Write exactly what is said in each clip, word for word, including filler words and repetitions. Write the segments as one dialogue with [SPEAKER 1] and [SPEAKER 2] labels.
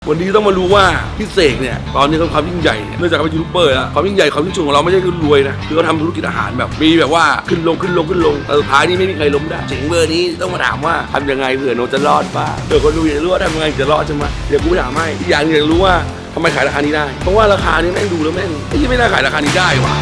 [SPEAKER 1] วันนี้ต้องมารู้ว่าพี่เสกเนี่ยตอนนี้เขาความยิ่งใหญ่เนี่ยเนื่องจากเขาเป็นยูทูบเบอร์แล้วความยิ่งใหญ่ความยิ่งสูงของเราไม่ใช่คือรวยนะคือเขาทำธุรกิจอาหารแบบมีแบบว่าขึ้นลงขึ้นลงขึ้นลงแต่สุดท้ายนี่ไม่มีใครล้มได้เจ๋งเบอร์นี้ต้องมาถามว่าทำยังไงเผื่อโนจะรอดบ้างเผื่อคนดูอยากรู้ว่าทำยังไงจะรอดใช่ไหมเดี๋ยวกูถามให้อีกอย่างนึงอยากรู้ว่าทำไมขายราคานี้ได้เพราะว่าราคานี้แม่งดูแล้วแม่งไม่ไม่น่าขายราคานี้ได้ว่ะ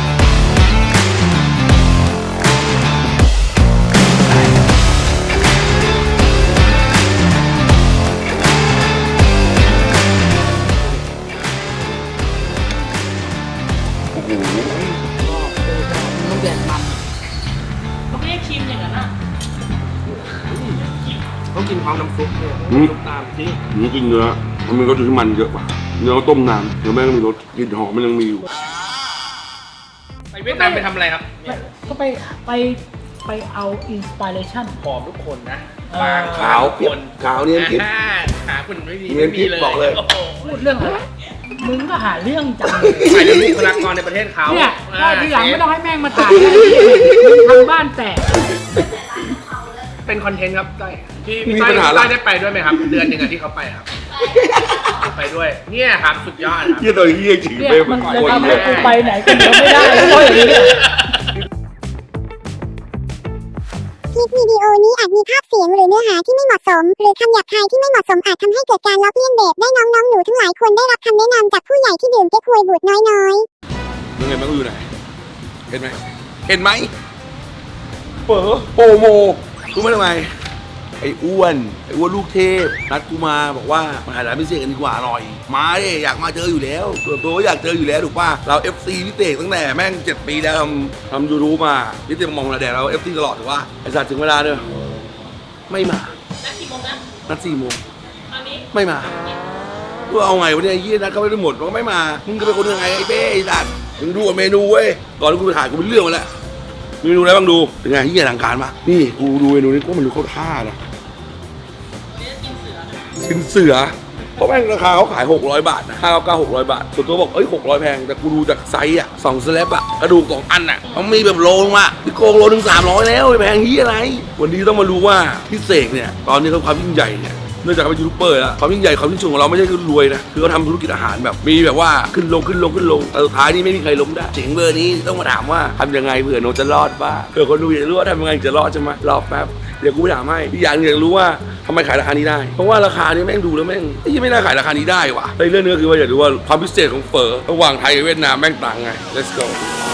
[SPEAKER 2] มันแดดมันมันไม่ได้ครีมอย่างนั้นอ่ะต้องกินพร้อมน้ำซุปเนี่ยซุปตามที่
[SPEAKER 1] นี่กินเนื้อมันมีรสที่มันเยอะกว่าเนื้อต้มน้ำเนื้อแม่งมีรสกลิ่นหอมมันยังมีอยู่
[SPEAKER 2] ไปเวียดนามไปทำอะไรครับ
[SPEAKER 3] ก็ไปไปไปเอาอินสปิเรชัน
[SPEAKER 2] ผอมทุกคนนะ
[SPEAKER 3] บาง
[SPEAKER 1] ขาวเปียกขาวเนี่ยคิด
[SPEAKER 2] หาคุณไม่มี
[SPEAKER 1] เนียนกิ๊บบอกเลย
[SPEAKER 3] พูดเรื่องอะไรมึงก็หาเรื่องจัง
[SPEAKER 2] หมายถึงบุคลากรในประเทศเขา
[SPEAKER 3] เนี่ยก็ทีหลังไม่ต้องให้แม่งมาถ่ายเลยมึงทำบ้านแตก
[SPEAKER 2] เป็นคอนเทนต์ครับต้อยพี่พี่ต้อยต้อยได้ไปด้วยไหมครับ เดือนหนึ่งที่เขาไปครับไปด้วย เนี่ยครับสุดยอดครับ
[SPEAKER 1] เยี่ยตัวเยี่ยจริง
[SPEAKER 3] เนี่ย
[SPEAKER 1] เป้
[SPEAKER 3] มั
[SPEAKER 1] มัน น
[SPEAKER 3] จะ
[SPEAKER 1] โคตร
[SPEAKER 3] ทำ
[SPEAKER 1] เย
[SPEAKER 3] ให้
[SPEAKER 1] อะ
[SPEAKER 3] กูไปไหนกันเดียวไม่ได้เพราะอย่างนี้เนี่ย
[SPEAKER 4] คลิปวิดีโอนี้อาจมีภาพเสียงหรือเนื้อหาที่ไม่เหมาะสม หรือคำหยาบคายที่ไม่เหมาะสมอาจทำให้เกิดการล้อเลียนเด็กได้น้องๆหนูทั้งหลายควรได้รับคำแนะนำจากผู้ใหญ่ที่ดื่มเก๊กฮวยบูดน้อยๆ
[SPEAKER 1] ยังไงมันก็อยู่ไหนเห็นไหมเห็นไหมเป๋อโปโมรู้ไหมทำไมไอ้อ้วนไอ้อ้วนลูกเทพนัดกูมาบอกว่ามาหาร้านพิเศษกันดีกว่าอร่อยมาดิอยากมาเจออยู่แล้วส่วนตัวก็อยากเจออยู่แล้วถูกป่ะเรา เอฟ ซี พิเศษตั้งแต่แม่งเจ็ดปีแล้วทำทำยูทูบมาพิเศษมองระแดดเรา เอฟ ซี ตลอดถูกป่ะไอ้สัตว์ถึงเวลาเนอะไม่มานัดกี่โมงนะนัดสี่โมงตอนนี้ไม่มากูเอาไงวะเนี่ยยี่นัดเขาไม่ได้หมดมันก็ไม่มามึงจะเป็นคนยังไงไอ้เป้ไอ้สัตว์มึงดูกับเมนูเว้ยก่อนที่กูไปถ่ายกูเป็นเรื่องมาแล้วเมนูอะไรบ้างดูเป็นไงที่อลังการปะนี่กูดูเมนูนี้ก็มันดูเข้าท่านะกินเสือเพราะแม่งราคาเขาขายหกร้อยบาทนะห้าเก้าเก้าหกร้อยบาทส่วนตัวบอกเอ้ยหกร้อยแพงแต่กูดูจากไซส์อ่ะสองสแลบอ่ะกระดูกสองอันอ่ะมันมีแบบโลลงมาพี่โกงโลหนึ่งสามร้อยแล้วแพงเฮียอะไรวันนี้ต้องมารู้ว่าพี่เสกเนี่ยตอนนี้เขาความยิ่งใหญ่เนี่ยเนื่องจากเขาเป็นยูทูบเบอร์แล้วความยิ่งใหญ่ความยิ่งสูงของเราไม่ใช่คือรวยนะคือเขาทำธุรกิจอาหารแบบมีแบบว่าขึ้นลงขึ้นลงขึ้นลงแต่สุดท้ายนี่ไม่มีใครล้มได้เจ๋งเบอร์นี้ต้องมาถามว่าทำยังไงเผื่อโนจะรอดบ้างเผื่อคนดูอยากรู้ว่าทำยังไงจะรอดใช่ไหมรอแป๊บเดี๋ยวกูไปถามให้อีกอย่างนึงอยากรู้ว่าทำไมขายราคานี้ได้เพราะว่าราคานี้แม่งดูแล้วแม่งไม่ไม่น่าขายราคานี้ได้ว่ะในเรื่องนี้ก็คือว่าอยากรู้ว่าความพิเศษของเฝอระหว่างไทยกับเวียดนามแม่งต่างไง let's go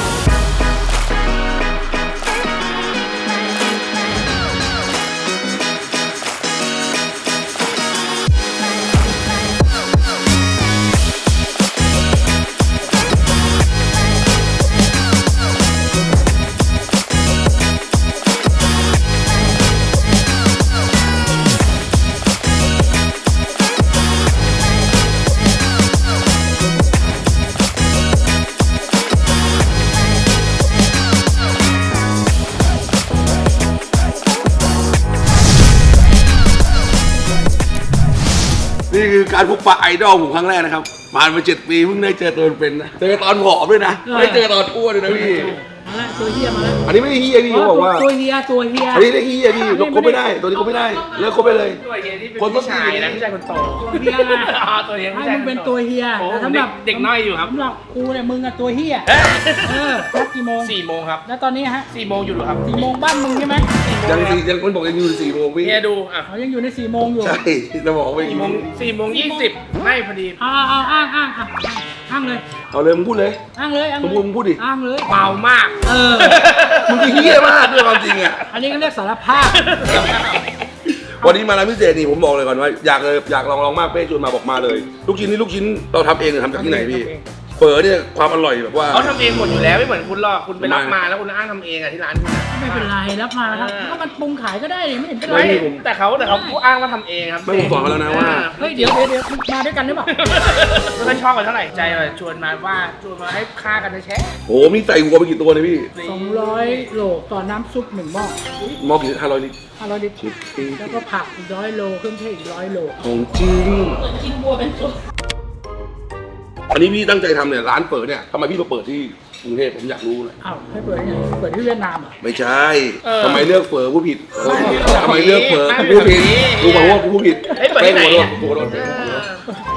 [SPEAKER 1] นี่คือการพบปะไอดอลผมครั้งแรกนะครับผ่านมาเจ็ดปีเพิ่งได้เจอตัวเป็นนะเจอตอนผอมด้วยนะไม่ได้เจอตอนอ้วนเลยนะพี่
[SPEAKER 3] มาแล้วตัวเฮียมาแล้ว
[SPEAKER 1] อันนี้ไม่ได้เฮียพี่เขาบอกว่า
[SPEAKER 3] ตัวเฮียตัวเฮีย
[SPEAKER 1] อันนี้ได้เฮียพี่คบไม่ได้ตัวนี้คบไม่ได้เลิกคบไปเลย
[SPEAKER 2] ตัวเฮียที่เป็นผู้ชายนะไม่ใช่คนโต
[SPEAKER 3] ตัวเฮียนะ
[SPEAKER 2] อ๋อตัวเฮียไม่
[SPEAKER 3] ให้
[SPEAKER 2] ใช่
[SPEAKER 3] มึงเป็นตัวเฮีย
[SPEAKER 2] โอ้
[SPEAKER 3] แต่สำหรับ
[SPEAKER 2] เด็กน้อยอยู่ครับ
[SPEAKER 3] สำหรับกูเนี่ยมึงอะตัวเฮียเออนัดกี่โมง
[SPEAKER 2] สี่โมงครับ
[SPEAKER 3] แล้วตอนนี้ฮะ
[SPEAKER 2] สี่โมงอยู่หรอครับ
[SPEAKER 3] สี่โมงบ้านมึงใช่ไหม
[SPEAKER 1] ยังสี่ยังคนบอกยังอยู่สี่โมงพี่
[SPEAKER 2] เฮียดูอ่ะ
[SPEAKER 3] เขายังอยู่ในสี่โมงอยู่
[SPEAKER 1] ใช่จะบอกว่า
[SPEAKER 2] สี่โมงสี่โมงยี่สิบไม่พอดี
[SPEAKER 3] เอาเอาเอาอ้างอ้างอ่ะอ้างเลย
[SPEAKER 1] เอาเลยมึงพูดเลย
[SPEAKER 3] อ้างเลยอ้าง
[SPEAKER 1] มึง
[SPEAKER 3] เล
[SPEAKER 1] พูด
[SPEAKER 3] ย
[SPEAKER 1] มึงพูดดิ
[SPEAKER 3] อ้างเลย
[SPEAKER 2] เมามาก
[SPEAKER 3] เออ
[SPEAKER 1] มึงคือเฮียมากด้วยความจริงอ่ะ
[SPEAKER 3] อันนี้ก็เรียกสารภาพ
[SPEAKER 1] วันนี้มาร้านพิเศษนี่ผมบอกเลยก่อนว่าอยากเลยอยากลองลองมากเป้ชวนมาบอกมาเลย ลูกชิ้นนี่ลูกชิ้นเราทำเองหรือทำจากที่ไหนพี่เฝอเนี่ยความอร่อยแบบว่า
[SPEAKER 2] เขาทำเองหมดอยู่แล้วไม่เหมือนคุณหรอกคุณไปรับมาแล้วคุณอ้างทำเองอ่ะที่ร้านคุณ
[SPEAKER 3] ไม่เป็นไรรับมาครับก็มันปรุงขายก็ได้เลยไม่เห็นเป็นไร
[SPEAKER 2] ไม่แต่เขาแต่เขาอ้างว่าทำเองครับ
[SPEAKER 1] ไม่ผมสอนเขาแล้วนะว่า
[SPEAKER 3] เฮ้ยเดี๋ยวเดี๋ยวเดี๋ยวมาด้วยกันหรือเปล่า
[SPEAKER 2] ไม่ค่อยชอบกันเท่าไหร่ใจแบบชวนมาว่าชวนมาให้ฆ่ากันแท้
[SPEAKER 1] โอ้มีใส่วัวไปกี่ตัวเนี่ยพี่
[SPEAKER 3] สองร้อยโลต่อน้ำซุปหนึ่งหม้อ
[SPEAKER 1] หมอกี่ห้าร้อยลิตร
[SPEAKER 3] ห้าร้อยลิตรแล้วก็ผักอีกร้อยโลเครื่องเทศอีกร้อยโล
[SPEAKER 1] ของจริง
[SPEAKER 3] กินบัวเป็นซุป
[SPEAKER 1] อันนี้พี่ตั้งใจทำเนี่ยร้านเฝอเนี่ยทำไมพี่มาเปิดที่กรุงเทพผมอยากรู้เลย
[SPEAKER 3] อ้าวให้เปิดยังไงเปิดที่เวียดนามเหรอ่ะ
[SPEAKER 1] ไม่ใช่ทำไมเลือกเฝอผู้ผิดทำไมเลือกเฝอผู้ผิดกูบอกว่ากูผู้ผิด
[SPEAKER 2] ๆเฮ้ยเปิดที่ไหน
[SPEAKER 1] กูขอโทษ
[SPEAKER 2] อ่ะ
[SPEAKER 1] กูขอโทษ
[SPEAKER 2] เออ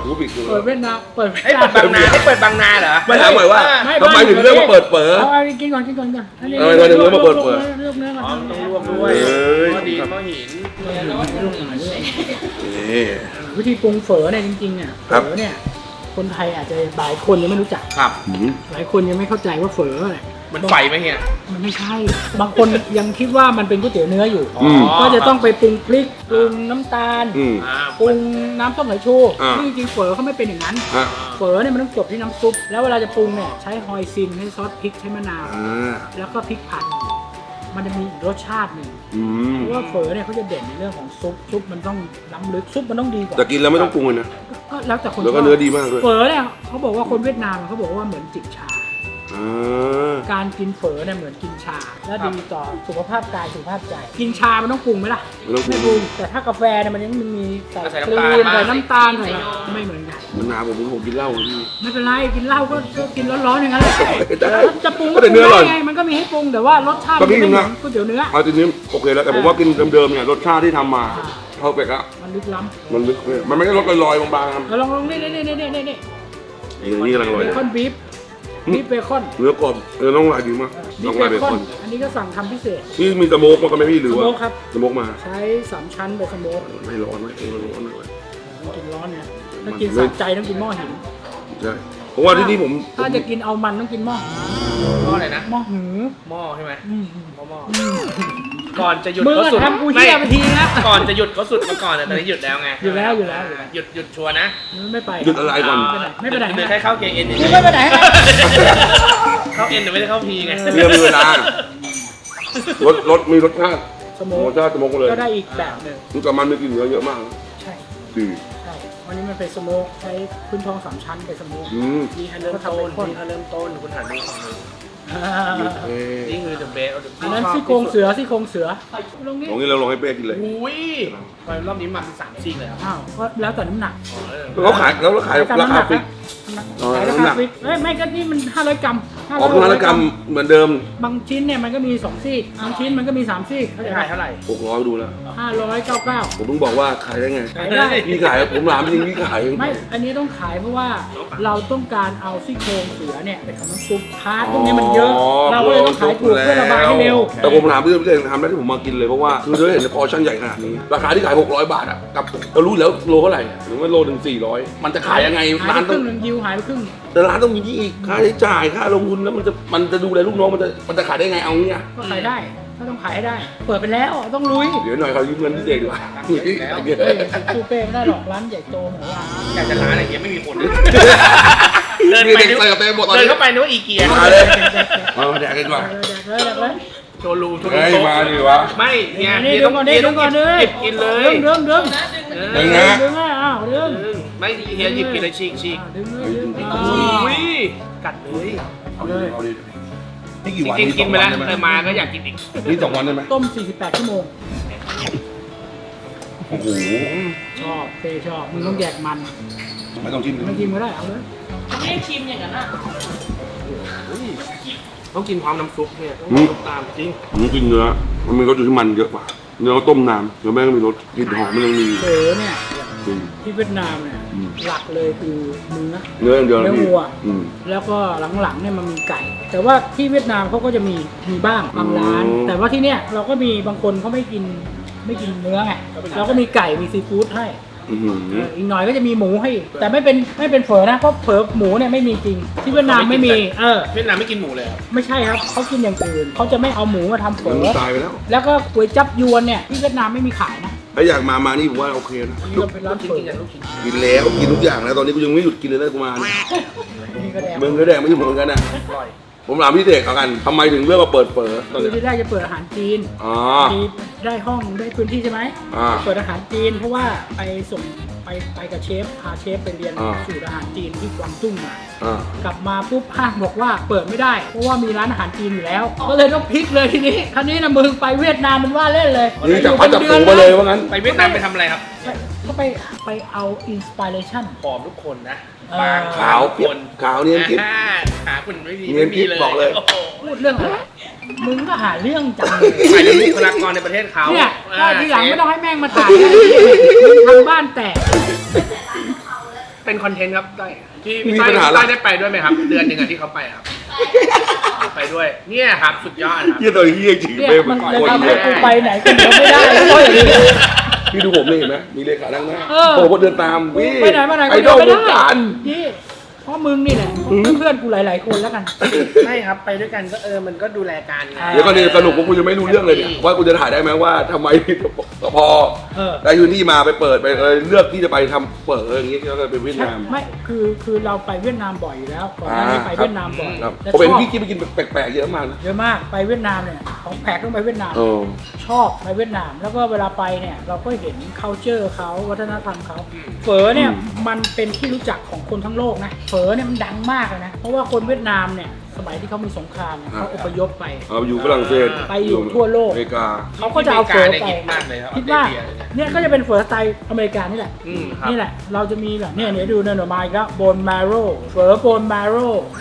[SPEAKER 1] กูปิดกู
[SPEAKER 3] เปิดเวียดนามเปิด
[SPEAKER 2] ให้เปิดบางนาให้เปิดบางนาเหรอ
[SPEAKER 1] ไม่ถามหน่อยว่าทำไมถึงเลือกมาเปิดเป๋อ
[SPEAKER 3] เอากินก่อนกินก่อนก่อน
[SPEAKER 1] เออเดี๋ยวเดี๋ยวมาเปิดเปิด
[SPEAKER 3] เลือกเนื้อก่อน
[SPEAKER 2] อ๋อต้องลวกด้วย
[SPEAKER 1] เอ้ย
[SPEAKER 2] หม้อดินหม้อหิน
[SPEAKER 1] นี่
[SPEAKER 3] วิธีปรุงเฝอเนี่ยจริงๆเนี่ย
[SPEAKER 1] ครับ
[SPEAKER 3] เฝอเนี่ยคนไทยอาจจะหลายคนยังไม่รู้จัก
[SPEAKER 2] ครับ
[SPEAKER 1] อืม
[SPEAKER 3] หลายคนยังไม่เข้าใจว่าเฝอเนี่ย
[SPEAKER 2] มันไฟไหมเฮีย
[SPEAKER 3] มันไม่ใช่ บางคนยังคิดว่ามันเป็นก๋วยเตี๋ยวเนื้ออยู่
[SPEAKER 1] อืม
[SPEAKER 3] ก็จะต้องไปปรุงพริกปรุงน้ำตาล
[SPEAKER 1] อืม
[SPEAKER 2] อ่า
[SPEAKER 3] ปรุงน้ำส้มสายชู
[SPEAKER 1] อ่า
[SPEAKER 3] ซึ่งจริงๆเฝอเขาไม่เป็นอย่างนั้น
[SPEAKER 1] ฮะ
[SPEAKER 3] เฝอเนี่ยมันต้องจบที่น้ำซุป แล้วเวลาจะปรุงเนี่ยใช้ฮอยซินใช้ซอสพริกใช้มะนาว
[SPEAKER 1] อ่า
[SPEAKER 3] แล้วก็พริกผัด มันจะมีอีกรสชาติหนึ่ง
[SPEAKER 1] อืม
[SPEAKER 3] เพราะว่าเฝอเนี่ยเขาจะเด่นในเรื่องของซุป ซุปมันต้องล้ำลึก ซุปมันต้องดีกว่า
[SPEAKER 1] แต่กินแล้วไม่ต้องปรุงเลยนะ
[SPEAKER 3] ก็แล้วแต่คน
[SPEAKER 1] แล้วก็
[SPEAKER 3] ชบ
[SPEAKER 1] เนื้อดีมากด้วย
[SPEAKER 3] เฝอเนี่ยเขาบอกว่าคนเวียดนามเขาบอกว่าเหมือนจิบชา
[SPEAKER 1] อ่า
[SPEAKER 3] การกินเฝอเนี่ยเหมือนกินชา และดีต่อสุขภาพกายสุขภาพใจ กินชามันต้องปรุงไหมล่ะ
[SPEAKER 1] ไม่ต้องปรุง
[SPEAKER 3] ปรุง แต่ถ้ากาแฟเนี่ยมันยังมีใส่
[SPEAKER 2] ใส่
[SPEAKER 3] ครี
[SPEAKER 2] น้ำตาล
[SPEAKER 3] มใส่น้ำตาล
[SPEAKER 2] ใส่
[SPEAKER 3] ใส่อะไรไม่เหมือนกัน
[SPEAKER 1] มันนานผมผมกินเหล้าพี่
[SPEAKER 3] ไม่เป็นไรกินเหล้าก็ก็กินร้อนๆอย่างนั้นแหละ
[SPEAKER 1] ได้
[SPEAKER 3] แล้วจะปรุง
[SPEAKER 1] ก็แต่เนื้ออร่อย
[SPEAKER 3] ได้ไงมันก็มีให้ปรุงแต่ว่ารสชาติ
[SPEAKER 1] ก็
[SPEAKER 3] มัน
[SPEAKER 1] พี่
[SPEAKER 3] ไม่เหมือ
[SPEAKER 1] นะ
[SPEAKER 3] นก๋วยเตี๋ยวเนื้อ
[SPEAKER 1] เอาทีนี้โอเคแล้วแต่ผมว่ากินเดิมๆเนี่ยรสชาติที่ทำมาเข้าไปก็
[SPEAKER 3] มันลึกล้ำ
[SPEAKER 1] มันลึกเลยมันไม่ได้รสลอยๆบางๆครับ
[SPEAKER 3] เราลองลองนี่นี่นี่นี่นี่นี่
[SPEAKER 1] นี่นี่กำลังอร่อย
[SPEAKER 3] เบ
[SPEAKER 1] เลย
[SPEAKER 3] คอนบีฟบีฟเบคอน
[SPEAKER 1] เนื้อกรอบเนื้อน้องลายดีมาก
[SPEAKER 3] บี
[SPEAKER 1] น้อ
[SPEAKER 3] ฟ
[SPEAKER 1] ง
[SPEAKER 3] เบ
[SPEAKER 1] ลายเบ
[SPEAKER 3] ค
[SPEAKER 1] ค
[SPEAKER 3] อ
[SPEAKER 1] อน น
[SPEAKER 3] อันนี้ก็สั่งทำพิเศษ
[SPEAKER 1] ที่มีสโมกมากันไหมพี่หรือ
[SPEAKER 3] ส
[SPEAKER 1] ว่า
[SPEAKER 3] โมกครับ
[SPEAKER 1] สโมกมา
[SPEAKER 3] ใช้สามชั้นไปสโมก
[SPEAKER 1] ไม่ร้อนไม่เออร้อนเลย
[SPEAKER 3] กินร้อนเนี่ยถ้ากินสะใจต้องกินหม้อหิน
[SPEAKER 1] ใช่เพราะว่าที่นี่ผม
[SPEAKER 3] ถ้าจะกินเอามันต้องกินหม้อหิน
[SPEAKER 2] หม้ออะไรนะ
[SPEAKER 3] หม้อหือ
[SPEAKER 2] หม้อใช่ไหม
[SPEAKER 3] อืม
[SPEAKER 2] หม้อหม้อ
[SPEAKER 3] อืม
[SPEAKER 2] ก่อนจะหยุด
[SPEAKER 3] มึง
[SPEAKER 2] เขา
[SPEAKER 3] อะ
[SPEAKER 2] สุด
[SPEAKER 3] ทำกูเหี้ยไปทีนะ
[SPEAKER 2] ก่อนจะหยุดเขาสุดมาก่อนแต่ตอนนี้หยุดแล้วไง
[SPEAKER 3] หยุดแล้วหยุดแล้ว
[SPEAKER 2] หยุดหยุดชัวร์นะ
[SPEAKER 3] ไม่ไป
[SPEAKER 1] หยุดอะไรก่อน
[SPEAKER 3] ไม่ไปไหน
[SPEAKER 2] ห
[SPEAKER 3] ไม่
[SPEAKER 2] ยุด
[SPEAKER 3] ไปไหน
[SPEAKER 2] แค่เข้าเกเอ็น
[SPEAKER 3] กูไม่ไปไหนนะ
[SPEAKER 2] เข้าเอ็นแต่ไม่ได้เข้าพีไง
[SPEAKER 1] เรียมีเวลารสรสมีรสชาติ
[SPEAKER 3] สโม
[SPEAKER 1] ร
[SPEAKER 3] ก
[SPEAKER 1] สชาติสโมกเลย
[SPEAKER 3] ก็ได้อีกแบบหนึ่ง
[SPEAKER 1] มันกับมันมีกลิ่นเนื้อเยอะมาก
[SPEAKER 3] ใช่
[SPEAKER 1] ดี
[SPEAKER 3] ใช่วันนี้มันเป็นสโมกใช้พื้นทองสามชั้นเป็นสโมก
[SPEAKER 1] อืม
[SPEAKER 2] นี่แค่เริ่มต้นนี่แค่เริ่มต้นคุณหันดูฝั่งนู้น
[SPEAKER 3] อ่า
[SPEAKER 1] เอ้ย
[SPEAKER 2] นี่คือ the best of the
[SPEAKER 3] อันนั้นซี่โครงเสือซี่โครงเสือลงนี้
[SPEAKER 1] ลองนี้เราลองให้เป้กินเลย
[SPEAKER 2] อุ้ยไปรอบนี้มาสามซีกเลยครับ
[SPEAKER 3] อ้าวก็แล้วแต่น้ำหนัก
[SPEAKER 2] อ๋อเออ
[SPEAKER 1] แล้วเขาขายแล้วเราขาย
[SPEAKER 3] ตาม
[SPEAKER 1] รา
[SPEAKER 3] น้ำห
[SPEAKER 1] คา
[SPEAKER 3] นัก
[SPEAKER 1] ฟิก
[SPEAKER 3] นะ
[SPEAKER 1] อ๋อ
[SPEAKER 3] ขายรา
[SPEAKER 1] น้ำหนั
[SPEAKER 3] คาก ฟิกเอ้ยไม่ก็นี่มันห้าร้อยกรัม
[SPEAKER 1] ออกมาตรกรรมเหมือนเดิม
[SPEAKER 3] บางชิ้นเนี่ยมันก็มีสองซี่บางชิ้นมันก็มีสามซี่เข้าใจ
[SPEAKER 2] ขายเท่าไหร่
[SPEAKER 1] หกร้อยดูแล้ว
[SPEAKER 3] ห้าร้อยเก้าเก้า
[SPEAKER 1] ผมต้องบอกว่าขายได้ไง
[SPEAKER 3] ขายได้
[SPEAKER 1] พี่ขายผมถามจริงพี่ขาย
[SPEAKER 3] ไม่ อันนี้ต้องขายเพราะว่าเราต้องการเอาซี่โครงเสือเนี่ยไปทำน้ำซุปพาร์ทพวกนี้มันเยอะ เราก็เลยต้องขายถูกเพื่อระบายให้เร็ว
[SPEAKER 1] แต่ผมถามพี่พี่เองทำได้ที่ผมมากินเลยเพราะว่าคือเราเห็นในพอชั่นใหญ่ขนาดนี้ราคาที่ขายหกร้อยบาทอ่ะกับเรารู้แล้วโลเท่าไหร่หรือว่าโลถึงสี่ร้อยมันจะขายยังไง
[SPEAKER 3] หาย
[SPEAKER 1] ร้าน
[SPEAKER 3] ไปค
[SPEAKER 1] ต้อ
[SPEAKER 3] รึ่
[SPEAKER 1] ง
[SPEAKER 3] งหนึ่งยิวหายไปครึ่ง
[SPEAKER 1] แต่ร้านต้องมีที่อีกค่าใช้จ่ายค่าลงทุนแล้วมันจะมันจะดูแลลูกน้องมันจะมันจะขายได้ไงเอางี้
[SPEAKER 3] ก็ขายได้ก็ต้องขายให้ได้ เปิดไปแล้วต้องลุย
[SPEAKER 1] เดี๋ยวหน่อยเขายืมเงินพิเศษดีกว่า
[SPEAKER 3] เฮ้ยซูเป้ไม่ได้หรอกร้านใหญ่โตเหมือนว่า
[SPEAKER 2] อยากจะร้านอะไรเงี้ยไม่มีคน
[SPEAKER 1] เดิ
[SPEAKER 2] เดิ
[SPEAKER 1] น
[SPEAKER 2] น
[SPEAKER 1] ไป
[SPEAKER 2] ไป
[SPEAKER 1] เด็ก
[SPEAKER 2] นึก
[SPEAKER 1] เสิร์ฟเต็มหมดตอน
[SPEAKER 2] เดิน
[SPEAKER 1] นี้
[SPEAKER 2] เข้าไปนึกว่าอีเกีย
[SPEAKER 1] มาเลยมามาแดกกันดีกว่า
[SPEAKER 3] เดี๋ยวเลยเดี๋ยวเลย
[SPEAKER 2] โชว์รูมโชว์รู
[SPEAKER 1] เฮ้ย
[SPEAKER 2] โต๊ะ
[SPEAKER 1] มาดิวะ
[SPEAKER 2] ไม่เนี่ย
[SPEAKER 3] นี่
[SPEAKER 2] เฮีย
[SPEAKER 3] ดึ
[SPEAKER 2] ต้อง ง
[SPEAKER 3] ก่อน
[SPEAKER 2] เฮี
[SPEAKER 3] ดิ
[SPEAKER 2] ย
[SPEAKER 3] ดึ
[SPEAKER 2] ต้อง ง
[SPEAKER 3] ก่อนดิ
[SPEAKER 2] หยิบกินเลย
[SPEAKER 3] ดึงดึงดึง
[SPEAKER 2] เออ
[SPEAKER 1] ดึงนะ
[SPEAKER 3] ดึงอ่ะอ้าวดึง
[SPEAKER 2] ไม่เฮียหยิบกินเลยฉีกฉีก
[SPEAKER 3] ดึงเลยดึง
[SPEAKER 2] อุ้ยกัดเลย
[SPEAKER 1] เอาดิเอาดินี่กี่วัน
[SPEAKER 2] จริงๆกินไปแล้ว
[SPEAKER 1] สอง
[SPEAKER 2] แต่
[SPEAKER 1] วั
[SPEAKER 2] มาก็อยากกินอีก
[SPEAKER 1] นี่สองวันได้ไหม
[SPEAKER 3] ต้มสี่สิบแปดชั่วโมง
[SPEAKER 1] โอ้โห
[SPEAKER 3] ชอบเป้ชอบมึงต้องแยกมัน
[SPEAKER 1] ไม่ต้องชิม
[SPEAKER 3] ไม่กินก็ได้เอาเลย
[SPEAKER 2] ต้องกินพร้อมน้ำซุปเนี่ยต้องซุปตามจริง
[SPEAKER 1] ผมกินเนื้อมันมีรสอยู่ที่มันเยอะกว่าเนื้อต้มนานเนื้อแม่งมีรสกลิ่นหอมมันยังมี
[SPEAKER 3] เฝอเนี่ย
[SPEAKER 1] อืม
[SPEAKER 3] ที่เวียดนามเนี่ย
[SPEAKER 1] อืม
[SPEAKER 3] หลักเลยคือเนื้อ
[SPEAKER 1] เนื้ออย่างเดียวนะ
[SPEAKER 3] เนื้อ
[SPEAKER 1] พี่
[SPEAKER 3] วัว
[SPEAKER 1] อืม
[SPEAKER 3] แล้วก็หลังๆเนี่ยมันมีไก่ แต่ว่าที่เวียดนามเขาก็จะมีมีบ้างบางร้าน
[SPEAKER 1] อืม
[SPEAKER 3] แต่ว่าที่เนี่ยเราก็มีบางคนเขาไม่กินไม่กินเนื้อไงเราก็มีไก่มีซีฟู้ดให้
[SPEAKER 1] อือหือ
[SPEAKER 3] เอออีกหน่อยก็จะมีหมูให้อีกแต่ไม่เป็นไม่เป็นเฝอนะเพราะเฝอหมูเนี่ยไม่มีจริง ที่เวียดนามไม่มีเออ
[SPEAKER 2] เวียดนามไม่กินหมูเลยครับ
[SPEAKER 3] ไม่ใช่ครับเขากินอย่างอื่นเขาจะไม่เอาหมูมาทำเฝ
[SPEAKER 1] มัน
[SPEAKER 3] อ
[SPEAKER 1] ตายไปแล้ว
[SPEAKER 3] แล้วก็ก๋วยจับยวนเนี่ยที่เวียดนามไม่มีขายนะ
[SPEAKER 1] ถ้าอยากมามานี่ผมว่าโอเคนะ
[SPEAKER 3] อันนี้เราเป็นร้าน
[SPEAKER 2] กิน
[SPEAKER 3] เฝอ
[SPEAKER 2] กินกันลูกชิ้น
[SPEAKER 1] กินแล้วกินทุกอย่างแล้วตอนนี้กูยังไม่หยุดกินเลยนะกูมาเนี่ย
[SPEAKER 3] นี่ก็แดง
[SPEAKER 1] มึงก็แดงไม่หยุดเหมือนกันนะ
[SPEAKER 2] อร่อย
[SPEAKER 1] ผมถามพี่เด็กเอากันทำไมถึงเลือกมาเปิดเปิดตอน
[SPEAKER 3] คือ
[SPEAKER 1] นี้
[SPEAKER 3] ที่แรกจะเปิดอาหารจีน
[SPEAKER 1] อ๋อ
[SPEAKER 3] มีได้ห้องได้พื้นที่ใช่ไหม
[SPEAKER 1] อ่า
[SPEAKER 3] เปิดอาหารจีนเพราะว่าไปส่งไปไปกับเชฟพาเชฟไปเรียน
[SPEAKER 1] อ่า
[SPEAKER 3] สูตรอาหารจีนที่กวางตุ้งมา
[SPEAKER 1] อ่า
[SPEAKER 3] กลับมาปุ๊บห้างบอกว่าเปิดไม่ได้ เพราะว่ามีร้านอาหารจีนอยู่แล้ว ก็เลยต้องพลิกเลยทีนี้คราวนี้นะมึงไปเวียดนามมันว่าเล่นเลย
[SPEAKER 1] นี่จับพัดจับผูมาเลยว่างั้น
[SPEAKER 2] ไปเวียดนามไปทำอะไรครับ
[SPEAKER 3] ไปก็ไปไปเอาอินสปิเรชัน
[SPEAKER 2] ผอมทุกคนนะ
[SPEAKER 3] เออ
[SPEAKER 2] บาง
[SPEAKER 1] ขาว
[SPEAKER 2] ค
[SPEAKER 1] เปียก
[SPEAKER 2] น
[SPEAKER 1] ขาวเนียนกิ๊บ
[SPEAKER 2] อ่าหาคุณไม่มี
[SPEAKER 1] เนียนกิ๊บบอกเลย
[SPEAKER 2] โอ้โห
[SPEAKER 3] พูดเรื่องอะไรมึงก็หาเรื่องจังเลย
[SPEAKER 2] หมายถึงบุคลากรในประเทศเขา
[SPEAKER 3] เนี่ย
[SPEAKER 2] อ่า
[SPEAKER 3] ทีหลัง
[SPEAKER 2] เชฟ
[SPEAKER 3] ไม่ต้องให้แม่งมาถ่ายนะมึงทำบ้านแตก
[SPEAKER 1] ไ
[SPEAKER 2] เป็นคอนเทนต์ครับได้พี่
[SPEAKER 1] มี
[SPEAKER 2] พี่ต้อย
[SPEAKER 1] ปัญหา
[SPEAKER 2] พี่
[SPEAKER 1] อะไร
[SPEAKER 2] ต้อยได้ไปด้วยไหมครับ เดือนหนึ่งอะที่เขาไปครับไปด้วย เนี่ยครับสุดยอดครับ
[SPEAKER 1] เฮียตัวเฮียจริง
[SPEAKER 3] เนี่ย
[SPEAKER 1] ไม่
[SPEAKER 3] มัน
[SPEAKER 1] ค
[SPEAKER 3] จะ
[SPEAKER 1] น
[SPEAKER 3] ทำ
[SPEAKER 1] เล
[SPEAKER 3] ให้
[SPEAKER 1] ย
[SPEAKER 3] กูไปไหนคนเดียวไม่ได้แล้วก็อย่างนี้
[SPEAKER 1] พี่ดูผมนี่เห็นไหมมีเลขานั่งหน้า
[SPEAKER 3] เออ
[SPEAKER 1] โอ้โหเดินตามพี่
[SPEAKER 3] ไปไหนมาไหน
[SPEAKER 1] ไอ
[SPEAKER 3] คน
[SPEAKER 1] ด
[SPEAKER 3] เดี
[SPEAKER 1] อ
[SPEAKER 3] ยว
[SPEAKER 1] ล
[SPEAKER 3] ไม่
[SPEAKER 1] ว
[SPEAKER 3] ได้
[SPEAKER 1] งการ
[SPEAKER 3] นี่เพราะมึงนี่แหละเพื่อนกูหลาย ๆ คนแล้วกัน
[SPEAKER 2] ใช่ครับไปด้วยกันก็เออมันก็ดูแลกันไง
[SPEAKER 1] เดี๋ยวก่อนนี่สนุกว่ากูยังไม่รู้เรื่องเลยเนี่ยว่ากูจะถ่ายได้ไหมว่าทำไมพอ
[SPEAKER 3] เออ
[SPEAKER 1] ได้พื้นที่มาไปเปิดไปเออเลือกที่จะไปทำเปิดเอออย่างเงี้ยก็เลยไปเวียดนาม
[SPEAKER 3] ไม่คือคือเราไปเวียดนามบ่อยอยู่แล้วก่อนหน้านี้ไปเวียดนามบ่อย
[SPEAKER 1] ครับ
[SPEAKER 3] แล้ว
[SPEAKER 1] ผมเห็น
[SPEAKER 3] ชอบ
[SPEAKER 1] พี่กินไปกินแปลกๆเยอะมากนะ
[SPEAKER 3] เยอะมากไปเวียดนามเนี่ยของแปลกต้องไปเวียดนาม
[SPEAKER 1] เออ
[SPEAKER 3] ชอบไปเวียดนาม แล้วก็เวลาไปเนี่ยเราก็เห็น culture เขาวัฒนธรรมเขาเฝอเนี่ยมันเป็นที่รู้จักของคนทั้งโลกนะเฝอเนี่ยมันดังมากเลยนะเพราะว่าคนเวียดนามเนี่ยสมัยที่เขามีสงครามเนี่ยเขาอพยพไป
[SPEAKER 1] เอาไปอยู่ฝรั่งเศส
[SPEAKER 3] ไปอยู่ทั่วโลก
[SPEAKER 1] อเมริกา
[SPEAKER 3] เขาก็จะเอาเฝอ
[SPEAKER 2] ที่
[SPEAKER 3] ไป
[SPEAKER 2] อเมริกาเนี่ยฮิตมากเลยครับ
[SPEAKER 3] คิดว่า
[SPEAKER 2] ออสเตรเลียเนี่ย
[SPEAKER 3] เนี่ยก็จะเป็นเฝอสไตล์อเมริกันนี่แหละ
[SPEAKER 2] อืมครับ
[SPEAKER 3] นี่แหละเราจะมีแบบเนี่ยเดี๋ยวดูเนี่ยหน่อไม้ก็โบนมาโร่เฝอโบนมาโร่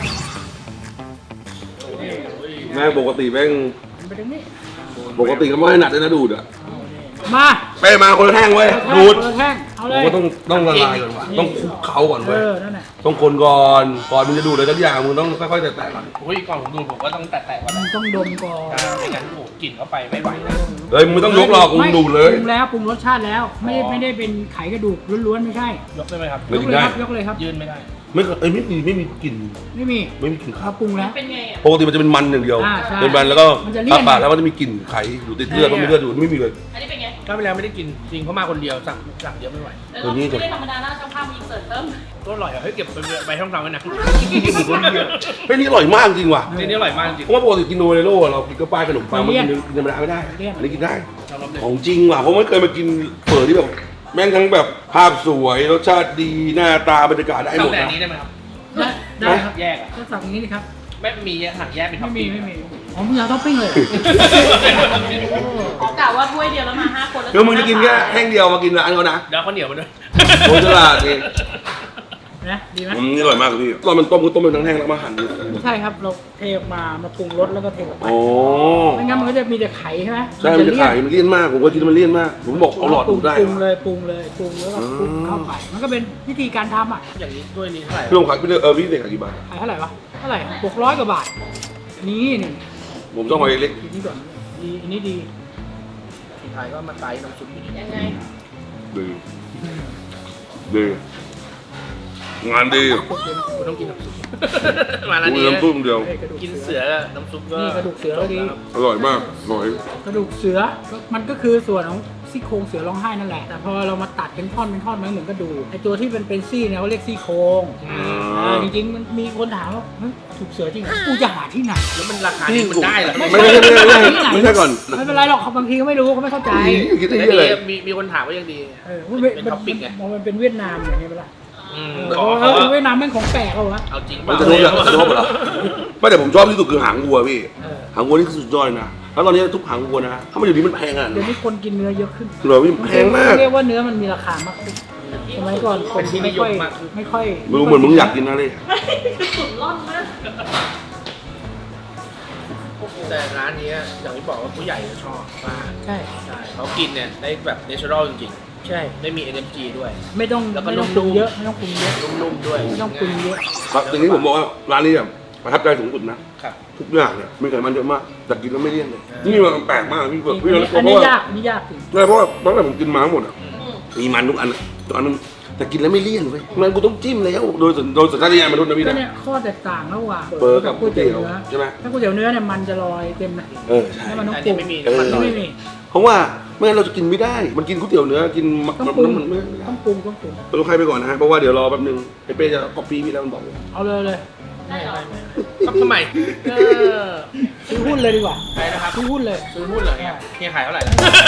[SPEAKER 1] แม่งปกติแม่ง
[SPEAKER 3] ไปตรงนี้
[SPEAKER 1] ปกติก็ไม่ให้หนักเลยนะดูดอ่ะ
[SPEAKER 3] มา
[SPEAKER 1] ไปมาคนละแท่งเว้ยดูด
[SPEAKER 3] เปิแท่งเอา
[SPEAKER 1] ผ
[SPEAKER 3] เล
[SPEAKER 1] ม
[SPEAKER 3] ย
[SPEAKER 1] ก็ต้องต้องละลายก่อนว่ะต้องคลุกเขาก่อน
[SPEAKER 3] เอ
[SPEAKER 1] เว้ย
[SPEAKER 3] อนั่นแหละ
[SPEAKER 1] ต้องคนก่อนก่อนมึงจะดูดเลยทุกอย่างมึงต้องค่อยๆแตะๆก่อน
[SPEAKER 2] อุ้ยก่อนผมดูผมก็ต้องแตะๆก่อน
[SPEAKER 3] มัน
[SPEAKER 2] นะ
[SPEAKER 3] ต้องดมก่อน
[SPEAKER 2] ไม่งั้นโอ้โหกลิ่นเข้าไปไม่ไหวนะ
[SPEAKER 1] เฮ้ยมึงไม่ต้องยกหรอกมึงดูดเลย
[SPEAKER 3] ปรุงแล้วปรุงรสชาติแล้วไม่ได้
[SPEAKER 2] อ๋อ
[SPEAKER 3] ไม่ได้เป็นไขกระดูกล้วนๆไม่ใช่
[SPEAKER 2] ยกได้ไหมครับ
[SPEAKER 1] ไม่
[SPEAKER 3] ยก
[SPEAKER 1] กิน
[SPEAKER 3] เลย
[SPEAKER 1] ได้
[SPEAKER 3] ครับยกเลยครับ
[SPEAKER 2] ยื่นไม่ได้
[SPEAKER 1] ไม่เคยเอ้ยไม่มีไม่มีกลิ่น
[SPEAKER 3] ไม่มี
[SPEAKER 1] ไม่มีกลิ่นข้า
[SPEAKER 3] เรา
[SPEAKER 1] ว
[SPEAKER 3] ปรุงแล้ว
[SPEAKER 5] เป็นไงอ่ะ
[SPEAKER 1] ปกติมันจะเป็นมันอย่างเดียว
[SPEAKER 3] อ่าใช่
[SPEAKER 1] เป็นมันแล้วก็
[SPEAKER 3] มันจะเลี่ยน
[SPEAKER 1] ปากแล้วมันจะมีกลิ่นไข่อยู่ติดเลือดก็ไม่เลือดอยู่ไม่มีเลย
[SPEAKER 5] อันนี้เป็นไง
[SPEAKER 2] ก็ไปแล้วไม่ได้กินจริงเพราะมาคนเดียวสั่งสั่งเยอะไม่ไหว
[SPEAKER 5] แล้ว
[SPEAKER 1] ตัวนี้จะ
[SPEAKER 5] ไม่ได้ธรรมดานะเจ้าภาพมีเสิร์ฟเติม
[SPEAKER 2] ก็อร่อยอะเฮ้ยเก็บไปไปช่องทางไว้นะ
[SPEAKER 1] เฮ้ยนี่อร่อยมากจริงว่ะ
[SPEAKER 2] นี่นี่อร่อยมากจริง
[SPEAKER 1] เพราะว่าปกติกินโนเรโร่เรากินก็ป้ายขนมปังมันกินกินธรรมดาไม่ได้อันนี้กินได้
[SPEAKER 2] ยอมรับเลย
[SPEAKER 1] ของจริงว่ะเพราะไม่เคยมากินเฝอที่แบบแม่งทั้งแบบภาพสวยรสชาติดีหน้าตาบรรยากาศได้หม
[SPEAKER 2] สั่ง
[SPEAKER 1] ด
[SPEAKER 2] แต่
[SPEAKER 1] นะ
[SPEAKER 2] อันนี้ได้ไหมครับ
[SPEAKER 3] ได้ได้ครับ
[SPEAKER 2] แยกอะ
[SPEAKER 3] ก็สั่งอย่างนี้นี่ครับ
[SPEAKER 2] ไม่มีสั่งแยกเป็นท็อ
[SPEAKER 3] ไม่
[SPEAKER 2] ป
[SPEAKER 3] มี
[SPEAKER 2] ปิ้ง
[SPEAKER 3] ไม่มีอ๋อมึงอยากท็อปปิ้งเลยเหรอ
[SPEAKER 5] ออกกะว่าถ้วยเดียวแล้วมาห้าคนแล้ว
[SPEAKER 1] คือมึงจะกินแค่แห้งเดียวมากินร้านเขานะ
[SPEAKER 2] เดี๋ยวข้าวเหนียวมาด้วย
[SPEAKER 1] โคตรฉลาดนี่
[SPEAKER 3] นะดีไหม
[SPEAKER 1] อืมนี่อร่อยมากเลยพี่ตอนมันต้มก็ต้มเป็นทั้งแห้งแล้วมาหั่น
[SPEAKER 3] ใช่ครับเราเทออกมามาปรุงรสแล้วก็เทออกไป
[SPEAKER 1] โอ้
[SPEAKER 3] ไม่งั้นมันก็จะมีแต่ไข่ใช่ไหม
[SPEAKER 1] ใช่มันจะขายมันเลี่ยนมากผมก็คิดว่ามันเลี่ยนมากผมบอกเอาหลอด
[SPEAKER 3] ปรุ
[SPEAKER 1] ดู
[SPEAKER 3] ง
[SPEAKER 1] ดได้
[SPEAKER 3] ปรุงเลยปรุงเลยปรุงแล้วก็คลุกเข้าไปมันก็เป็นวิธีการทำอ่ะ
[SPEAKER 2] อย่างนี้ด้วยนี้เท่าไหร่
[SPEAKER 1] พี่ลงขายพี่เออพี่เด็กขายกี่บาท
[SPEAKER 3] ขายเท่าไหร่วะเท่าไหร่หกร้อยกว่าบาทนี่นี่
[SPEAKER 1] ผมต้องเอาเล็ก
[SPEAKER 3] อันนี้ก่อนดีอันนี้ดี
[SPEAKER 2] สุดท้ายก็มาไต่น้ำซุปอยู่ดี
[SPEAKER 5] ยังไง
[SPEAKER 1] ดีดีงานดี
[SPEAKER 2] คุณต้องกินน้ำซุป มาแล้ว
[SPEAKER 1] กู
[SPEAKER 2] นี่
[SPEAKER 1] น้ำซุปเดียว
[SPEAKER 3] เอ้ยกระดูก
[SPEAKER 2] กิน
[SPEAKER 3] เสื
[SPEAKER 2] เสื
[SPEAKER 3] อ
[SPEAKER 2] อน้ำซุปก็
[SPEAKER 3] นี่กระดูกเสือก็ดี
[SPEAKER 1] อร่อยมากอร่อย
[SPEAKER 3] กระดูกเสือมันก็คือส่วนของซี่โครงเสือร้องไห้นั่นแหละ แต่พอเรามาตัดเป็นท่อนเป็นท่อนมันเหมือนกระดูกไอตัวที่เป็นเป็นซี่เนี่ยเขาเรียกซี่โครงอ่าจริงๆมันมีคนถามว่าเฮ้ยถูกเสือจริงเหรอกูจะหาที่ไหน
[SPEAKER 2] แล้วมันราคานี้มันได้เหรอ
[SPEAKER 1] ไม่ใช่ไม่ใช่ไม่ใช่ไม่ใช่ก่อน
[SPEAKER 3] ไม่เป็นไรหรอกเขาบางทีก็ไม่รู้เขาไม่เข้าใจ
[SPEAKER 1] คิดได้
[SPEAKER 2] แต่
[SPEAKER 1] ยังไง
[SPEAKER 2] ดีมีมีคนถามว่ายังดี
[SPEAKER 3] เออมันเป็น
[SPEAKER 2] เป็น
[SPEAKER 3] มัน
[SPEAKER 2] ท็อปปิ้งไง
[SPEAKER 3] มันมันเป็นเวียดนามอย่างเงี้ยเปล่า
[SPEAKER 2] อืม
[SPEAKER 3] เอ
[SPEAKER 2] ขอ
[SPEAKER 3] อ
[SPEAKER 2] เขา
[SPEAKER 3] เออเวียดนามแม่งของแปลกเหรอวะ
[SPEAKER 2] เอาจริง
[SPEAKER 1] มันจะโดนแบบจะโดนเหรอไม่แต่ผมชอบที่สุดคือหางวัวพี่
[SPEAKER 3] เออ
[SPEAKER 1] หางวัวนี่คือสุดยอดนะแล้วตอนนี้ทุกหางวัวนะถ้ามันอยู่นี้มันแพงอ่ะ
[SPEAKER 3] เดี๋ยวนี้คนกินเนื้อเยอะขึ้น
[SPEAKER 1] เหรอพี่แพงมาก
[SPEAKER 3] เรียกว่าเนื้อมันมีราคามากขึ้นสมัยก่อนคนที่ไม่ค่อยไม่ค่อย
[SPEAKER 1] ไม่รู้เหมือนมึงอยากกินนะเลย
[SPEAKER 5] สุดร่อนมาก
[SPEAKER 2] แต่ร้านนี้อย่างที่บอกว่าผู้ใหญ่จะชอบมาก
[SPEAKER 3] ใช่
[SPEAKER 2] ใช่เขากินเนี่ยได้แบบเนเชอรัลจริง
[SPEAKER 3] ใช่
[SPEAKER 2] ๆไม่มี เอ็น เอ็ม จี ด้วย
[SPEAKER 3] ไม่ต้อง
[SPEAKER 2] แล้วก็
[SPEAKER 3] ไม่ต้องป
[SPEAKER 2] นุ่
[SPEAKER 3] รุง
[SPEAKER 2] มๆ
[SPEAKER 3] เยอะไม่ต้องปรุงเยอะ
[SPEAKER 2] นุ่มๆด้วย
[SPEAKER 3] ไม่ต้องปรุงเยอะ
[SPEAKER 1] ครับทีนี้ผมบอกว่าร้านนี้แบบประทับใจสูงสุดนะครับ ทุกอย่างเนี่ยมีไขมันเยอะมากแต่กินแล้วไม่เลี่ยนเลย
[SPEAKER 2] เออ
[SPEAKER 1] นี่มันแปลกมากพี่เบิร์ดพี่
[SPEAKER 3] อัน
[SPEAKER 1] เรา
[SPEAKER 3] นี้
[SPEAKER 1] เพ
[SPEAKER 3] อัน
[SPEAKER 1] ราะ
[SPEAKER 3] นี้
[SPEAKER 1] ว่าย
[SPEAKER 3] ากอันนี้ยากจริง
[SPEAKER 1] ใช่เพราะว่าตั้งแต่ผมกินมาทั้งหมดอ่ะ
[SPEAKER 5] อืม
[SPEAKER 1] มีมันทุกอันอะทุกอันนั้นแต่กินแล้วไม่เลี่ยนเว้ยมันกูต้องจิ้มแล้วโดยสัญโดยสัญชาตญาณมนุษย์นะพี่
[SPEAKER 3] ก็
[SPEAKER 1] นะ
[SPEAKER 3] เนี่ยข้อแตกต่างระหว่าง
[SPEAKER 1] เบอร์กับ
[SPEAKER 3] ก๋วยเตี๋ยว
[SPEAKER 1] ก๋วยเตี๋ยว
[SPEAKER 3] เนื้อ
[SPEAKER 1] ใช่ไหม
[SPEAKER 3] ถ้าก๋วยเตี๋ยวเนื้อเนี่ยมันจะลอยเต็มนะ
[SPEAKER 1] เออใช่
[SPEAKER 3] แล้วมันต้อง
[SPEAKER 2] อัน
[SPEAKER 3] ปรุ
[SPEAKER 2] นี้
[SPEAKER 3] ง
[SPEAKER 2] ไม่มี
[SPEAKER 1] เออ
[SPEAKER 2] น้ำมันน้อย
[SPEAKER 3] ไม่มี
[SPEAKER 1] เพราะว่าไม่งั้นเราจะกินไม่ได้ มันกินก๋วยเตี๋ยวเนื้อกินมัน
[SPEAKER 3] ต้อง
[SPEAKER 1] มัน
[SPEAKER 3] ปรุง
[SPEAKER 1] มันไม่
[SPEAKER 3] ต้องปรุงต้องปรุง
[SPEAKER 1] ต้องใครไปก่อนนะฮะเพราะว่าเดี๋ยวรอแป๊บนึงไอ้เป้จะก๊อปปี้พี่แล้วมันบอก
[SPEAKER 3] เอาเลยเลย
[SPEAKER 5] ได้เหรอ
[SPEAKER 2] ครับทำไมเออ
[SPEAKER 3] ซื้อหุ้นเลยดีกว่า
[SPEAKER 2] ใครนะครับ
[SPEAKER 3] ซื้อหุ้นเลย
[SPEAKER 2] ซื้อหุ้นเหรอเนี่ยเฮียขายเท่าไหร่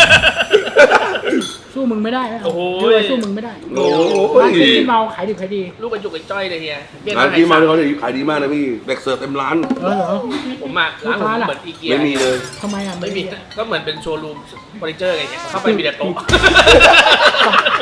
[SPEAKER 3] สู้มึงไม่ได้ไหม
[SPEAKER 2] โอ้โห
[SPEAKER 3] เดี๋ยวสู้มึงไม่ได้
[SPEAKER 1] โอ้โห
[SPEAKER 3] ร้านที่เมาขายดิบขายดี
[SPEAKER 2] ลูกกระจุกกระจ้อยเลยเฮียเบี้ย
[SPEAKER 1] ร้าน
[SPEAKER 2] ไทย
[SPEAKER 1] ที่มา
[SPEAKER 2] สั
[SPEAKER 1] เขา
[SPEAKER 2] ตว์
[SPEAKER 1] เนี่ยขายดีมากนะพี่เด็กเสิร์ฟเต็มร้าน
[SPEAKER 3] เออเหรอ
[SPEAKER 2] ผมมาร้านผม
[SPEAKER 3] ลูกค้าล่ะ
[SPEAKER 2] เหมือนอีเกีย
[SPEAKER 1] ไม่มีเลย
[SPEAKER 3] ทำไมอ่ะ
[SPEAKER 2] ไม่มีก็เหมือนเป็นโชว์รูมเฟอร์นิเจอร์อะไรเงี้ยเข้าไปมีแต่โต๊ะ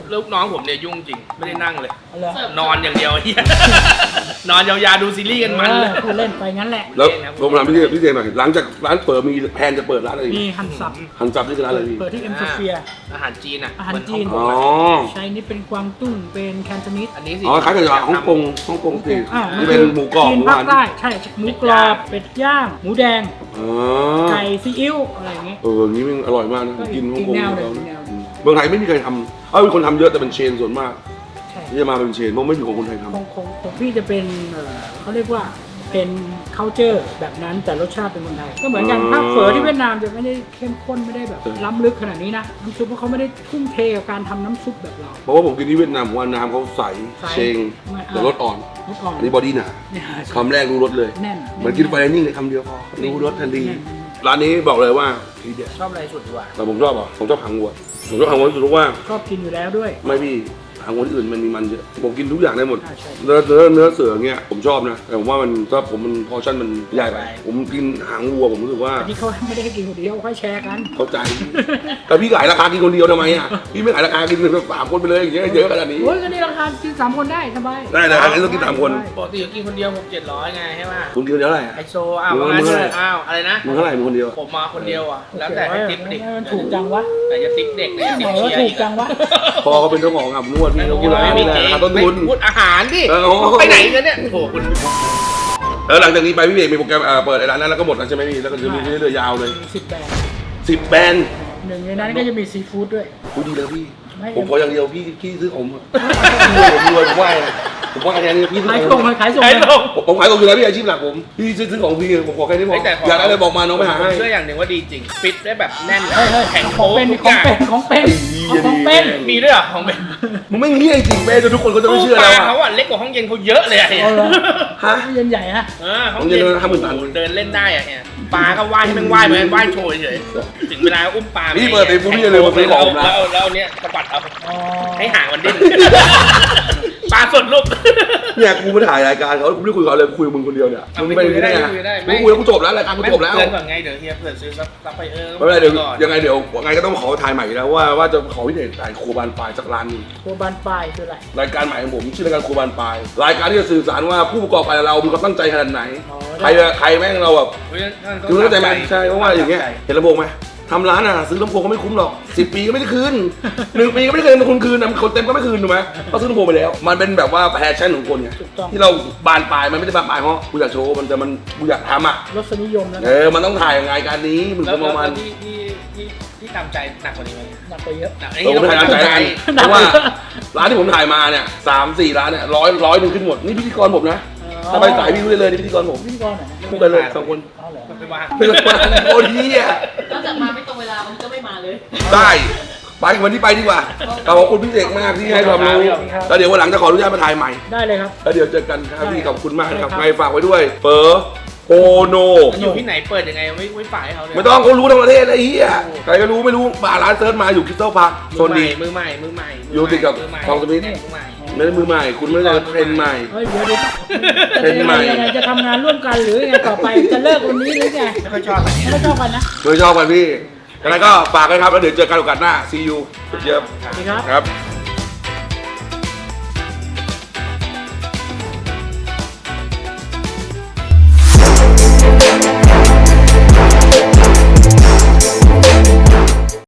[SPEAKER 2] ลูกน้องผมเนี่ยยุ่งจริงไม่ได้นั่งเลย
[SPEAKER 3] เอาเลย
[SPEAKER 2] นอนอย่างเดียวเฮีย นอนยาวๆดูซีรีส์กันมันเลย
[SPEAKER 3] เออพูดเล่นไปงั้นแหละ
[SPEAKER 1] แล้วผมถามพี่เจพี่เจหน่อยหลังจากร้านเปิดมีแพลนจะเปิดร้านอะไรอีก
[SPEAKER 3] มีฮันซับ
[SPEAKER 1] หันจับที่คือร้านอะไรพี่
[SPEAKER 3] เปิดที่เอ็มโซเฟีย
[SPEAKER 2] อาหารจีนอ่ะ
[SPEAKER 3] อาหารจีน
[SPEAKER 2] เหมื
[SPEAKER 1] อ๋
[SPEAKER 2] อ
[SPEAKER 1] อ
[SPEAKER 2] ฮ่องกง
[SPEAKER 3] ใช้นี่เป็นกวางตุ้งเป็นแคนโทนิส
[SPEAKER 2] อันนี้สิ
[SPEAKER 1] อ๋อคล้ายกับฮ่องกงฮ่องกงสิ
[SPEAKER 3] อ่า
[SPEAKER 1] ที่เป็นหมูกรอบ
[SPEAKER 3] จีน
[SPEAKER 1] หมู
[SPEAKER 3] ภา
[SPEAKER 1] หั
[SPEAKER 3] คน ใต้ใช่หมูกรอบเป็ดย่างหมูแดง
[SPEAKER 1] อ๋อ
[SPEAKER 3] ไก่ซีอิ๊วอะไรอย่างเงี้ย
[SPEAKER 1] เอออย่างนี้มันอร่อยมากนะ
[SPEAKER 3] ก็อีก
[SPEAKER 1] กินฮ่องกง
[SPEAKER 3] อีกแนวหนึ่
[SPEAKER 1] เขา
[SPEAKER 3] งอีกแนวหนึ่ง
[SPEAKER 1] เมืองไทยไม่มีใครทำเอ้ามีคนทำเยอะแต่เป็นเชนส่วนมาก
[SPEAKER 3] ใช่
[SPEAKER 1] ที่จะมาเป็นเชนเพราะไม่มีของคนไทยท
[SPEAKER 3] ของของของพี่จะเป็นเอ่อเขาเรียกว่าเป็น culture แบบนั้นแต่รสชาติเป็นคนไทยก็เหมือนกันภาคเฝอที่เวียดนามจะไม่ได้เข้มข้นไม่ได้แบบล้ำลึกขนาดนี้นะน้ำซุปเพราะเขาไม่ได้ทุ่มเทกับการทำน้ำซุปแบบเรา
[SPEAKER 1] ำเพราะว่าผมกินที่เวียดนามผมว่าน้ำเขาใส
[SPEAKER 3] ใส
[SPEAKER 1] เชง
[SPEAKER 3] ไม่
[SPEAKER 1] แต่รสอ่อน
[SPEAKER 3] รสอ่อน
[SPEAKER 1] อันนี้บอดี้หนา
[SPEAKER 3] เนี่ย
[SPEAKER 1] คำแรกรู้รสเลย
[SPEAKER 3] แน่น
[SPEAKER 1] เหมันกินไฟนิ่งเลยคำเดียวพอรู้รสทันที
[SPEAKER 3] แน่น
[SPEAKER 1] ร้านนี้บอกเลยว่าทีเด็ด
[SPEAKER 2] ชอบอะไรสุดดีกว่า
[SPEAKER 1] แต่ผมชอบอ่ะผมชอบหางวัวผมชอบหางวัวที่สุดเพราะว่า
[SPEAKER 3] ชอบกินอยู่แล้วด้วย
[SPEAKER 1] ไม่พี่หางวัวที่อื่นมันมีมันเยอะผมกินทุกอย่างได้หมด
[SPEAKER 3] ใช่ใช่
[SPEAKER 1] เนื้อเนื้อเนื้อเสือเงี้ยผมชอบนะแต่ผมว่ามันถ้าผมมันพอชั่นมันใหญ่ไปผมกินหางวัวผมรู้สึกว่า
[SPEAKER 3] อันนี้เขาไม่ได้ให้กินคนเดียวเขาให้แชร์กัน
[SPEAKER 1] เข้าใจ แต่พี่ขายราคากินคนเดียวทำไมอ่ะพี่ไม่ขายราคากินแบบสามคนไปเลยอย่างเงี้ยเยอะขนาดนี้
[SPEAKER 3] โอ้ยก็นี่ราคากินสามคนได้สบาย
[SPEAKER 1] ได้นะอันนี้ต้องกินสามคน
[SPEAKER 2] ปกติก็กินคนเดียวหกเจ็ดร้อยไงใช่ไหม
[SPEAKER 1] คุณกินคนเดียวเท่าไหร่อะ
[SPEAKER 2] ไฮโซอ้าว
[SPEAKER 1] มึง
[SPEAKER 2] ว่างั้น
[SPEAKER 1] มึง
[SPEAKER 2] เถอะอ้าวอะไรนะ
[SPEAKER 1] มึงเท่าไหร่มึงคนเดียว
[SPEAKER 2] ผมมาคนเดียวอ่ะแล้วแต่ให้ติ๊บดิ
[SPEAKER 3] มันถูกจังวะ
[SPEAKER 2] แต่จะติ๊บเด็กเนี่ยติ๊บ
[SPEAKER 3] เออ
[SPEAKER 2] เชียร์
[SPEAKER 3] ถู
[SPEAKER 2] อี
[SPEAKER 3] ก
[SPEAKER 2] ก
[SPEAKER 3] จังวะ
[SPEAKER 1] พอเขาเป็นเจ้าของอ่ะนวดพี่เขา
[SPEAKER 2] พู
[SPEAKER 1] พู
[SPEAKER 2] ด
[SPEAKER 1] ด
[SPEAKER 2] อะไร
[SPEAKER 1] อะไร
[SPEAKER 2] ไม่
[SPEAKER 1] ไม่
[SPEAKER 2] จ
[SPEAKER 1] ได้
[SPEAKER 2] ริง
[SPEAKER 1] ราคาต้นทุน
[SPEAKER 2] พูดอาหารดิ
[SPEAKER 1] เออโอ้โห
[SPEAKER 2] ไปไหนกันเนี่ยโอ้โหคุณ
[SPEAKER 1] แล้วหลังจากนี้ไปพี่เอกมีโปรแกรมเอ่อเปิดไอ้ร้านนั้นแล้วก็หมดแล้วใช่ไหมพี่แล้วก็จะมีเรื่อยๆยาวเลย
[SPEAKER 3] สิบแบรนด์
[SPEAKER 1] สิบแบรนด์
[SPEAKER 3] หนึ่งในนั้นก็จะมีซีฟู้ดด้วย
[SPEAKER 1] พูดดีเลยพี่
[SPEAKER 3] ไม่
[SPEAKER 1] ผมขออย่างเดียวพี่พี่ซื้อผมอะผมรวยผมไหวนะผมว่าแค่นี้พี่ซื้อ
[SPEAKER 3] ขาย
[SPEAKER 1] ผ
[SPEAKER 3] ส่ง
[SPEAKER 1] ม
[SPEAKER 3] ขายส่ง
[SPEAKER 2] ไอ้ลง
[SPEAKER 1] ผมผมขายตรงอยู่แล้วพี่อาชีพหลักผมพี่ซื้อซื้อของพี่ผมขอแค่นี้พอ
[SPEAKER 2] แต่ข
[SPEAKER 1] อยากได้อะไรบอกมาน้องไปหาให้
[SPEAKER 2] เชื่ออย่างหนึ่งว่าดีจริงฟิตได้แบบแน่น
[SPEAKER 3] เฮ้ยเฮ้ย
[SPEAKER 2] แข็ง
[SPEAKER 3] ขอ
[SPEAKER 2] โป๊
[SPEAKER 3] งเป็น
[SPEAKER 2] ทุก
[SPEAKER 3] ข
[SPEAKER 2] อ
[SPEAKER 3] อง
[SPEAKER 2] ย่าง
[SPEAKER 3] เป็นของเป็นเอาของเป็น
[SPEAKER 2] มีด้วยเหรอของเป็น
[SPEAKER 1] มึงไม่เงี้ยจริงเป้จนทุกคนก็จะไม่เชื่อ
[SPEAKER 2] ป
[SPEAKER 1] แล้
[SPEAKER 2] ลาว
[SPEAKER 1] อะ
[SPEAKER 2] เขาอ่ะเล็กกว่าห้องเย็นเขาเยอะเลยอะเนี่ย
[SPEAKER 3] เอาเลย
[SPEAKER 1] ฮะ
[SPEAKER 3] เย็นใหญ่ฮะ
[SPEAKER 2] เออห้องเย็น
[SPEAKER 1] ห้องเย็นห้าหมื่นตัน
[SPEAKER 2] เดินเล่นได้อะเนี่ยปลาก็ว่ายให้แม่งว่ายเหมือนว่ายโชว์เฉยถึงเวลาอุ้มปลา
[SPEAKER 1] พี่เปิดไปปุ๊บพี่จะเลยมาซื้อของนะ
[SPEAKER 2] แล้วเอาแล้วเอาเนี้ยสะบัดเอา
[SPEAKER 3] อ๋อ
[SPEAKER 2] ให้ห่างมันดิ้นปลาสดลูก
[SPEAKER 1] เนี่ยกูไม่ถ่ายรายการเขากูไม่ได้คุยกับเขาเลยคุยกับมึงคนเดียวเนี่ย
[SPEAKER 2] เอา
[SPEAKER 1] มึง
[SPEAKER 2] ไป
[SPEAKER 1] ไม่ได้ไง
[SPEAKER 2] คุยได้
[SPEAKER 1] มึงคุยแล้วกูจบแล้วรายการกูจบแล้ว
[SPEAKER 2] เตือนก่อนไงเดี๋ยวเฮียเผื่อซื้อซับซับไปเออ
[SPEAKER 1] ไม่เป็นไรเดี๋ยว
[SPEAKER 2] ก่อน
[SPEAKER 1] ยังไงเดี๋ยวยังไงก็ต้องขอถ่ายใหม่อยู่แล้วว่าว่าจะขอพี่เดชถ่ายครัวบานปลายสักร้านหนึง
[SPEAKER 3] ครัวบานปลายคืออะไร
[SPEAKER 1] รายการใหม่ของผมชื่อรายการครัวบานปลายรายการที่จะสื่อสารว่าผู้ประกอบการเรามีความตั้งใจขนาดไหน
[SPEAKER 3] อ๋อ
[SPEAKER 1] ใครใครแม่งเราแบบ
[SPEAKER 2] เฮ้ยนั่นก็
[SPEAKER 1] คือเข้าใจไหมใช่เพราะว่าอย่างเงี้ย
[SPEAKER 2] ใจ
[SPEAKER 1] เห็นลำโพงไหมทำร้านอ่ะซื้อลำโพงก็ไม่คุ้มหรอกสิบปีก็ไม่ได้คืนหนึ่งปีก็ไม่ได้คืนคุณคืนนะคนเต็มก็ไม่คืนถูกไหมเขาซื้อลำโพงไปแล้ว มันเป็นแบบว่าแพชชั่นของคนไง
[SPEAKER 3] ถูกต้อง
[SPEAKER 1] ที่เราบานปลายมันไม่ได้บานปลายเพราะกูอยากโชว์มันแต่มันกูอยากทำอ่ะ
[SPEAKER 3] รสนิยมแล้ว
[SPEAKER 1] เออมันต้องถ่ายรายการนี้มึง
[SPEAKER 2] แล้ว
[SPEAKER 1] ก็ประมาณ
[SPEAKER 2] แล้วที่ที่ที่ที่ตามใจหนักกว่านี้ไหม
[SPEAKER 3] หนักกว่าเยอะ
[SPEAKER 2] หนัก
[SPEAKER 1] เออผมถ่ายร้านใจกันเพราะว่าร้านที่ผมถ่ายมาเนี่ยสามสี่ร้านเนี่ยร้อยร้อยหนึ่งขึ้นหมดนี่พิธีกรผมนะถ้าไปสายพี่รู้ได้เลยนี่พิธีกรผม
[SPEAKER 3] พิธีกรไหนนะ
[SPEAKER 1] คู่กันเลยสองคน
[SPEAKER 3] อ๋อเหรอ
[SPEAKER 2] มันไปวาง
[SPEAKER 1] เป็นคนโคตรเฮีย
[SPEAKER 5] นอกจากมาไม่ตรงเวลามันก็ไม่มาเลย
[SPEAKER 1] ได้ไปวันนี้ไปดีกว่าขอบคุณพี่เอกมากที่ให้ความรู้แล้วเดี๋ยววันหลังจะขออนุญาตมาถ่ายใหม่
[SPEAKER 3] ได้เลยครับ
[SPEAKER 1] แล้วเดี๋ยวเจอกันครับพี่ขอบคุณมากครับ
[SPEAKER 3] ได้ครับ
[SPEAKER 1] ไงฝากไว้ด้วยเฟอโอโน
[SPEAKER 2] อยู่ที่ไหนเปิดยังไงไม่ไม่ฝ่ายให้เขาเลย
[SPEAKER 1] ไม่ต้องเขารู้ทั้งประเทศไอ้เหี้ยใครก็รู้ไม่รู้มาร้านเซิร์ชมาอยู่คริสตัลพาร์คโซ
[SPEAKER 2] มือน ใหม่
[SPEAKER 1] ดี
[SPEAKER 2] มือใหม่มือใหม่
[SPEAKER 1] อยู่ติดกับ
[SPEAKER 2] มืใหม่
[SPEAKER 1] ทองสมิธ
[SPEAKER 2] มือใหม่
[SPEAKER 1] ไม่ได้มือใหม่ คุณไม่ได้เทรนด์ใหม่
[SPEAKER 3] เฮ้ยเดี๋ยวเดี๋ยว
[SPEAKER 1] เป็นใหม่
[SPEAKER 3] ยังไงจะทำงานร่วมกันหรือยังไงต่อไปจะเลิกวันนี้หรือไง
[SPEAKER 2] ไม่ค่อยชอบอันนี้
[SPEAKER 3] ไม่ชอบกันนะ
[SPEAKER 1] โดยชอบกันพี่แล้วก็ฝากกันครับแล้วเดี๋ยวเจอกันโอกาสหน้า see you เยี่ยม
[SPEAKER 3] สวัสดีครับ
[SPEAKER 1] ครับ